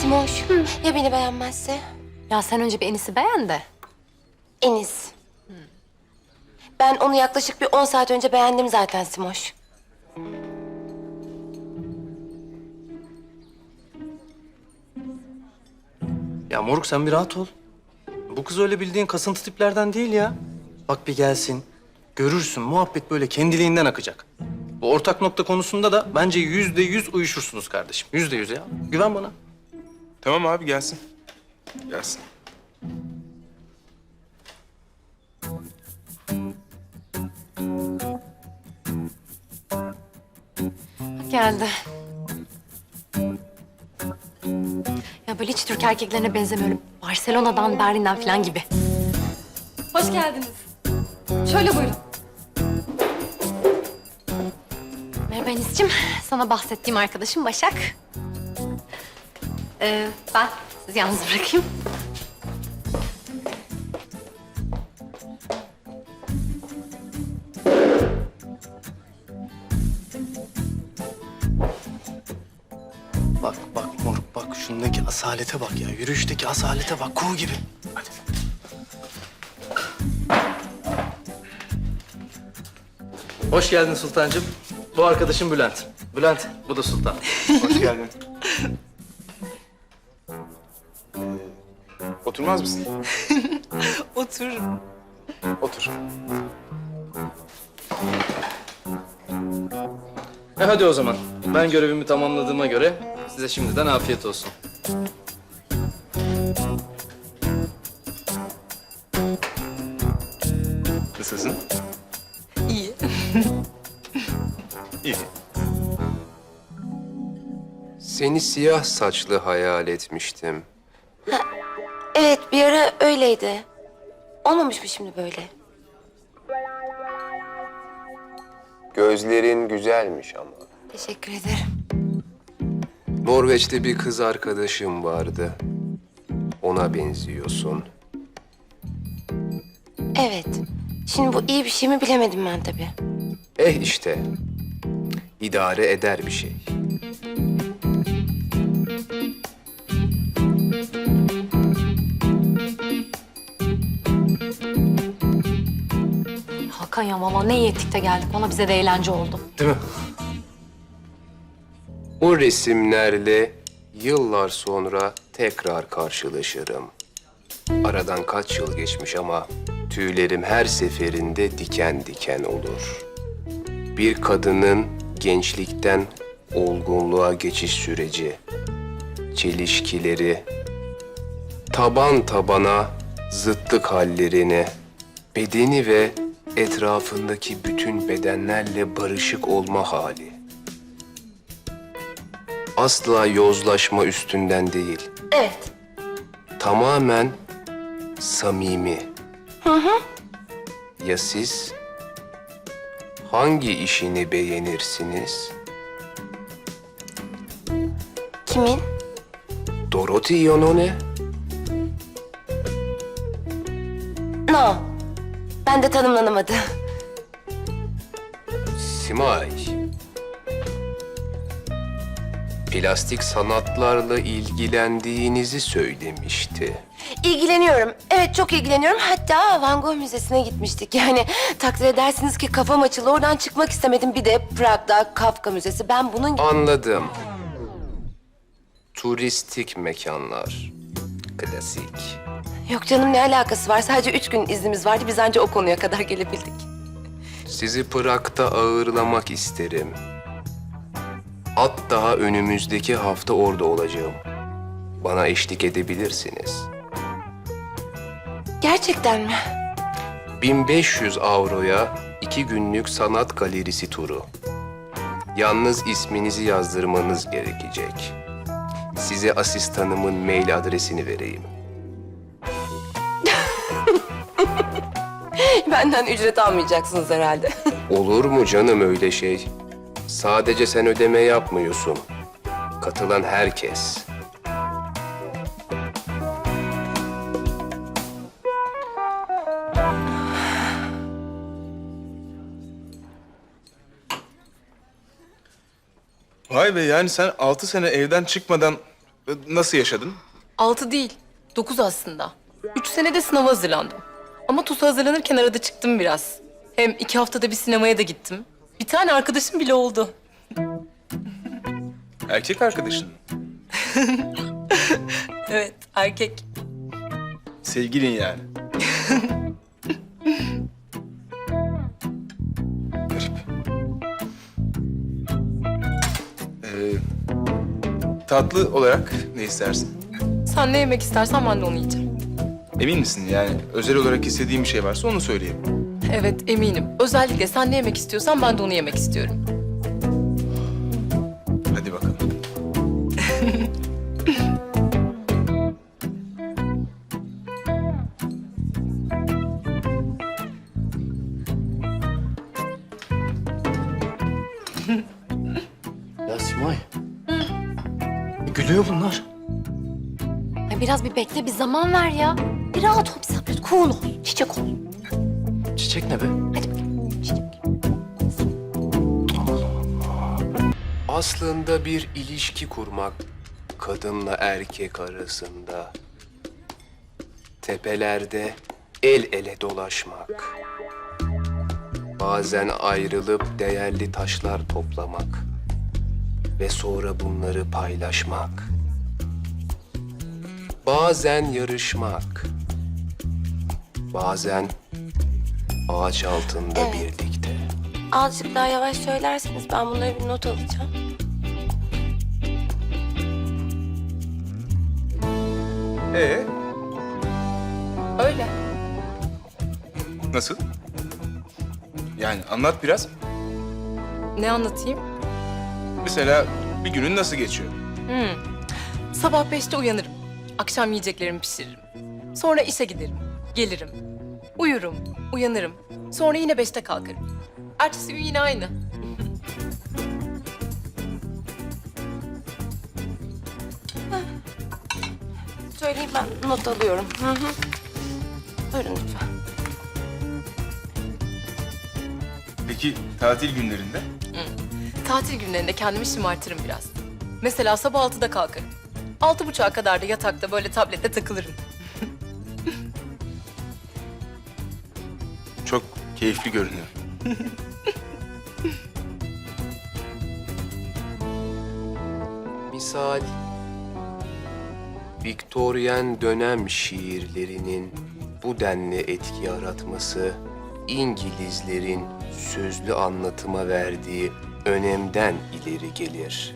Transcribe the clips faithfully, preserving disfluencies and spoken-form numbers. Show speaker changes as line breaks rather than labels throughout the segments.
Simoş, ya beni beğenmezse?
Ya sen önce bir Enis'i beğen de.
Enis. Ben onu yaklaşık bir on saat önce beğendim zaten Simoş.
Ya moruk sen bir rahat ol. Bu kız öyle bildiğin kasıntı tiplerden değil ya. Bak bir gelsin, görürsün muhabbet böyle kendiliğinden akacak. Bu ortak nokta konusunda da bence yüzde yüz uyuşursunuz kardeşim. Yüzde yüz ya. Güven bana.
Tamam abi gelsin. Gelsin.
Geldi. Ya böyle hiç Türk erkeklerine benzemiyor. Barcelona'dan, Berlin'den falan gibi.
Hoş geldiniz. Şöyle buyurun.
Merhaba Enis'ciğim. Sana bahsettiğim arkadaşım Başak. Ee, ben sizi yalnız bırakayım.
Bak bak moruk bak şundaki asalete bak ya. Yürüyüşteki asalete bak kuğu gibi. Hadi. Hoş geldin Sultancığım. Bu arkadaşım Bülent. Bülent, bu da Sultan.
Hoş geldin. Ee, oturmaz mısın?
Otururum.
Otur.
E hadi o zaman. Ben görevimi tamamladığıma göre size şimdiden afiyet olsun.
Nasılsın?
İyi.
İyi.
Seni siyah saçlı hayal etmiştim.
Evet, bir ara öyleydi. Olmamış mı şimdi böyle?
Gözlerin güzelmiş ama.
Teşekkür ederim.
Norveç'te bir kız arkadaşım vardı. Ona benziyorsun.
Evet. Şimdi bu iyi bir şey mi bilemedim ben tabii.
Eh işte. İdare eder bir şey.
Hakan ya valla ne iyi ettik de geldik. Ona bize de eğlence oldu.
Değil mi?
O resimlerle yıllar sonra tekrar karşılaşırım. Aradan kaç yıl geçmiş ama tüylerim her seferinde diken diken olur. Bir kadının gençlikten olgunluğa geçiş süreci, çelişkileri, taban tabana zıtlık hallerini, bedeni ve etrafındaki bütün bedenlerle barışık olma hali. Asla yozlaşma üstünden değil,
Evet.
tamamen samimi. Hı hı. Ya siz hangi işini beğenirsiniz?
Kimin?
Dorothy Yonone?
No. Ben de tanımlanamadı.
Simay. Plastik sanatlarla ilgilendiğinizi söylemişti.
İlgileniyorum. Evet, çok ilgileniyorum. Hatta Van Gogh Müzesi'ne gitmiştik. Yani takdir edersiniz ki kafam açıldı. Oradan çıkmak istemedim. Bir de Prag'da Kafka Müzesi. Ben bunun...
Anladım. Turistik mekanlar. Klasik.
Yok canım, ne alakası var? Sadece üç gün iznimiz vardı. Biz anca o konuya kadar gelebildik.
Sizi Prag'da ağırlamak isterim. Hatta önümüzdeki hafta orada olacağım. Bana eşlik edebilirsiniz.
Gerçekten mi?
bin beş yüz avroya iki günlük sanat galerisi turu. Yalnız isminizi yazdırmanız gerekecek. Size asistanımın mail adresini vereyim.
Benden ücret almayacaksınız herhalde.
Olur mu canım öyle şey? Sadece sen ödeme yapmıyorsun. Katılan herkes.
Vay be yani sen altı sene evden çıkmadan Nasıl yaşadın?
Altı değil, dokuz aslında. Üç senede sınava hazırlandım. Ama TUS'a hazırlanırken arada çıktım biraz. Hem iki haftada bir sinemaya da gittim. Bir tane arkadaşım bile oldu.
Erkek arkadaşın mı?
Evet, erkek.
Sevgilin yani. Garip. Ee, tatlı olarak ne istersin?
Sen ne yemek istersen ben de onu yiyeceğim.
Emin misin? Yani özel olarak istediğin bir şey varsa onu söyleyeyim.
Evet, eminim. Özellikle sen ne yemek istiyorsan ben de onu yemek istiyorum.
Hadi bakalım.
Ya Simay. E, gülüyor bunlar.
Ya biraz bir bekle, bir zaman ver ya. Bir rahat ol, bir sabret, cool ol, çiçek ol.
Çiçek ne be?
Hadi bakayım, çiçek.
Aslında bir ilişki kurmak kadınla erkek arasında. Tepelerde el ele dolaşmak. Bazen ayrılıp değerli taşlar toplamak ve sonra bunları paylaşmak. Bazen yarışmak. Bazen ağaç altında
Evet.
birlikte.
Azıcık daha yavaş söylerseniz ben bunları bir not alacağım.
Ee,
Öyle.
nasıl? Yani anlat biraz.
Ne anlatayım?
Mesela bir günün nasıl geçiyor?
Sabah beşte uyanırım. Akşam yiyeceklerimi pişiririm. Sonra işe giderim. Gelirim. Uyurum. Uyanırım. Sonra yine beşte kalkarım. Ertesi gün yine aynı.
Söyleyeyim ben not alıyorum. Hı hı. Buyurun lütfen.
Peki tatil günlerinde?
Tatil günlerinde kendimi şımartırım biraz. Mesela sabah altıda kalkarım. Altı buçuğa kadar da yatakta böyle tablette takılırım.
Çok keyifli görünüyor.
Misal, Viktoryen dönem şiirlerinin bu denli etki yaratması, İngilizlerin sözlü anlatıma verdiği önemden ileri gelir.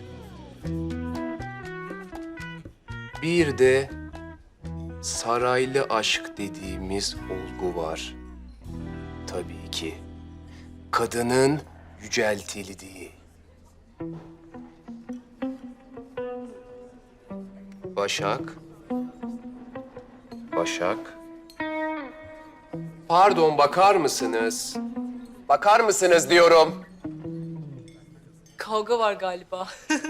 Bir de saraylı aşk dediğimiz olgu var. Tabii ki kadının yüceltildiği. Başak. Başak. Pardon, bakar mısınız? Bakar mısınız diyorum.
Kavga var galiba.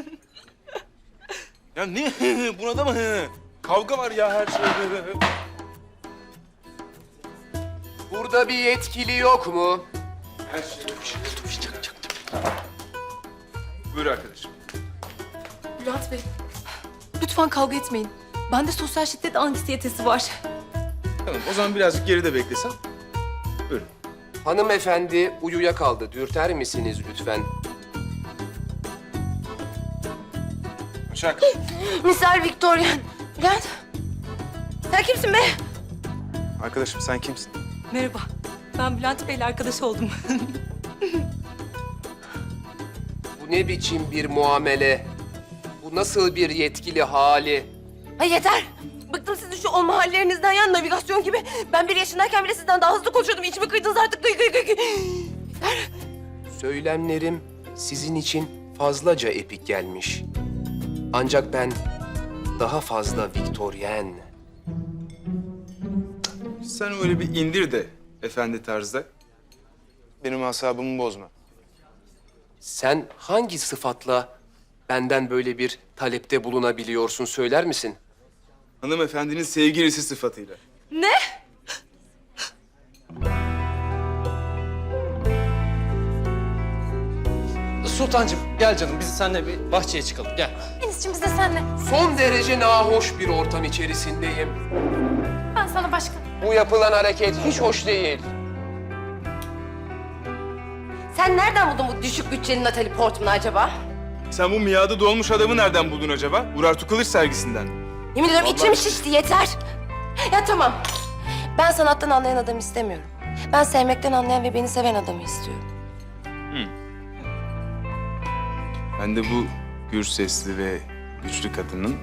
Ya ne? Buna da mı? Kavga var ya her şeyde.
Burada bir yetkili yok mu?
Her şey. Buyur arkadaşım.
Bülent Bey, lütfen kavga etmeyin. Bende sosyal şiddet anksiyetesi var.
Tamam o zaman birazcık geride beklesem. Buyurun.
Hanımefendi uyuyakaldı. Dürter misiniz lütfen?
Başak.
Misal Victorian. Bülent. Sen kimsin be?
Arkadaşım sen kimsin?
Merhaba, ben Bülent Bey'le arkadaş oldum.
Bu ne biçim bir muamele? Bu nasıl bir yetkili hali?
Ay yeter. Bıktım sizin şu olma hallerinizden ya, navigasyon gibi. Ben bir yaşındayken bile sizden daha hızlı konuşuyordum. İçimi kıydınız artık. Gıy gıy gıy gıy. Yeter.
Söylemlerim sizin için fazlaca epik gelmiş. Ancak ben daha fazla Viktoryen.
Sen öyle bir indir de efendi tarzda. Benim asabımı bozma.
Sen hangi sıfatla benden böyle bir talepte bulunabiliyorsun söyler misin?
Hanımefendinin sevgilisi sıfatıyla.
Ne?
Sultancığım gel canım biz seninle bir bahçeye çıkalım gel.
Enis'cim biz de senle.
Son derece nahoş bir ortam içerisindeyim.
Ben sana başka.
Bu yapılan hareket hiç hoş değil.
Sen nereden buldun bu düşük bütçeli Natalie Portman'ı acaba?
Sen bu miadı dolmuş adamı nereden buldun acaba? Urartu Kılıç sergisinden.
Yemin ediyorum
Vallahi-
içim şişti yeter. Ya tamam. Ben sanattan anlayan adamı istemiyorum. Ben sevmekten anlayan ve beni seven adamı istiyorum.
Ben de bu gür sesli ve güçlü kadının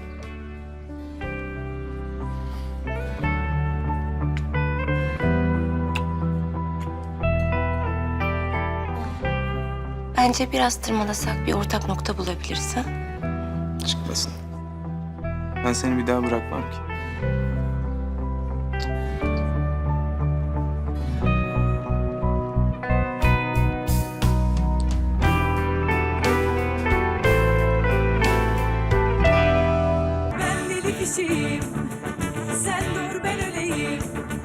Bence biraz tırmalasak bir ortak nokta bulabiliriz ha?
çıkmasın. Ben seni bir daha bırakmam ki.
Ben deli kişiyim, sen dur ben öleyim.